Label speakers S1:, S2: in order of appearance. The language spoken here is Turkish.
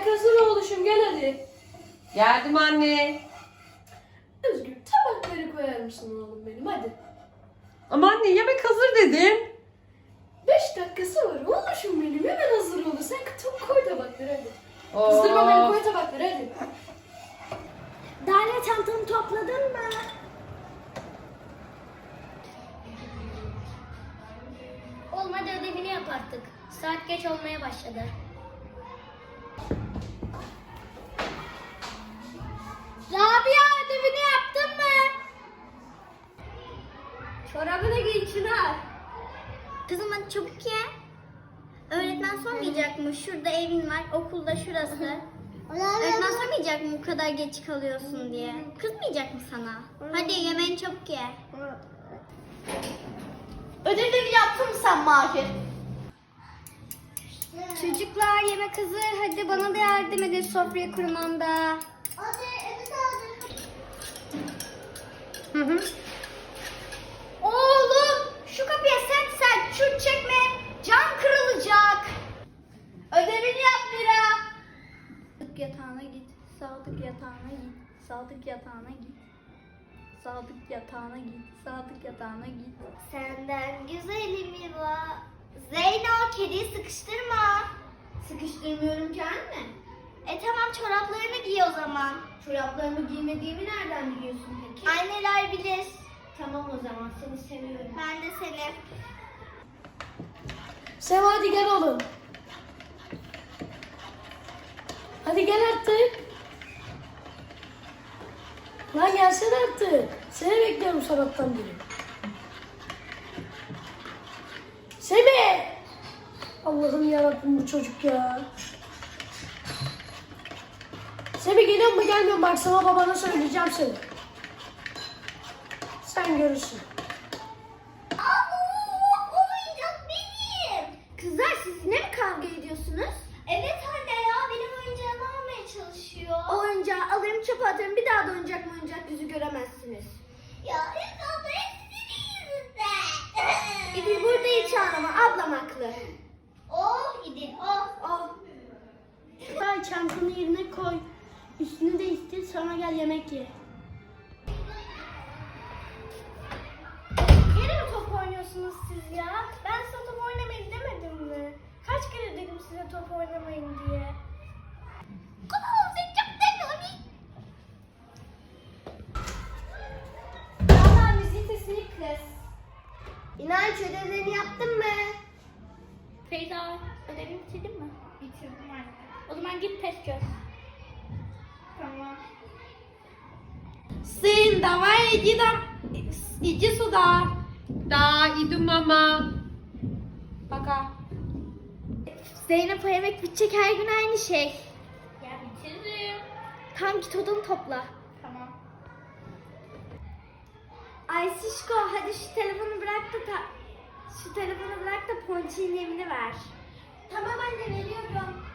S1: Yemek hazır oğluşum, gel hadi.
S2: Geldim anne.
S1: Özgür, tabakları koyar mısın oğlum benim, hadi.
S2: Ama anne yemek hazır dedim.
S1: 5 dakikası var oğluşum benim, hemen hazır olur. Sen koy tabakları hadi. Kızdırma beni, koy tabakları hadi.
S3: Dale, çantanı topladın mı? Olmadı, ödevini yap artık. Saat geç olmaya başladı. Rabia, ödevini yaptın mı? Çorabını giy Çınar. Kızım hadi çabuk ye. Öğretmen sormayacak mı? Şurada evin var, okulda şurası. Öğretmen sormayacak mı bu kadar geç kalıyorsun diye? Kızmayacak mı sana? Hadi yemeğini çabuk ye.
S4: Ödevini yaptın mı sen Mahir?
S3: Çocuklar yemek hazır. Hadi bana da yardım edin sofrayı kurmamda.
S4: Hadi evet hadi.
S3: Oğlum şu kapıya sen şut çekme. Cam kırılacak.
S4: Ödevini yap Mira.
S3: Sadık yatağına git. Sadık yatağına git. Sadık yatağına git. Sadık yatağına git. Sadık yatağına git.
S4: Senden güzelim Mira. Zeyno kediyi sıkıştırma. Sıkıştırmıyorum ki anne. Tamam çoraplarını giy o zaman. Çoraplarımı giymediğimi nereden biliyorsun peki? Anneler bilir. Tamam o zaman seni seviyorum. Ben de seni.
S1: Seva hadi gel oğlum. Hadi gel artık. Lan gelsene artık. Seni bekliyorum sabahtan beri. Semih! Allah'ım yarabbim bu çocuk ya. Semih geliyor mu gelmiyor mu? Bak sana babana söyleyeceğim seni. Sen görürsün.
S4: O oyuncak benim.
S3: Kızlar siz ne mi kavga ediyorsunuz?
S4: Evet anne ya benim oyuncağımı almaya çalışıyor.
S3: O oyuncağı alırım çöpe atarım. Bir daha da oyuncak yüzü göremezsiniz.
S4: Ya evet abla hep senin yüzünden.
S3: İdil burada hiç ağlama. Ablam haklı.
S4: Oh İdil oh.
S3: Oh.
S1: Ay çantanı yerine koy. Üstünü değiştir sonra gel yemek ye.
S3: Yine mi top oynuyorsunuz siz ya? Ben size top oynamayın demedim mi? Kaç kere dedim size top oynamayın diye.
S4: Valla müziğin sesini kız.
S3: İnanç ödevlerini yaptın mı?
S4: Feyza ödevini bitirdin mi? Bitirdim anne. O zaman git test çöz. Tamam.
S2: Sin, давай иди сюда. Да, иду мама.
S3: Baka. Zeynep o yemek bitecek her gün aynı şey.
S4: Ya bitiririm.
S3: Tam git odanı topla.
S4: Tamam.
S3: Ay Şişko hadi şu telefonu bırak da Ponçik'in evini ver.
S4: Tamam anne veriyorum.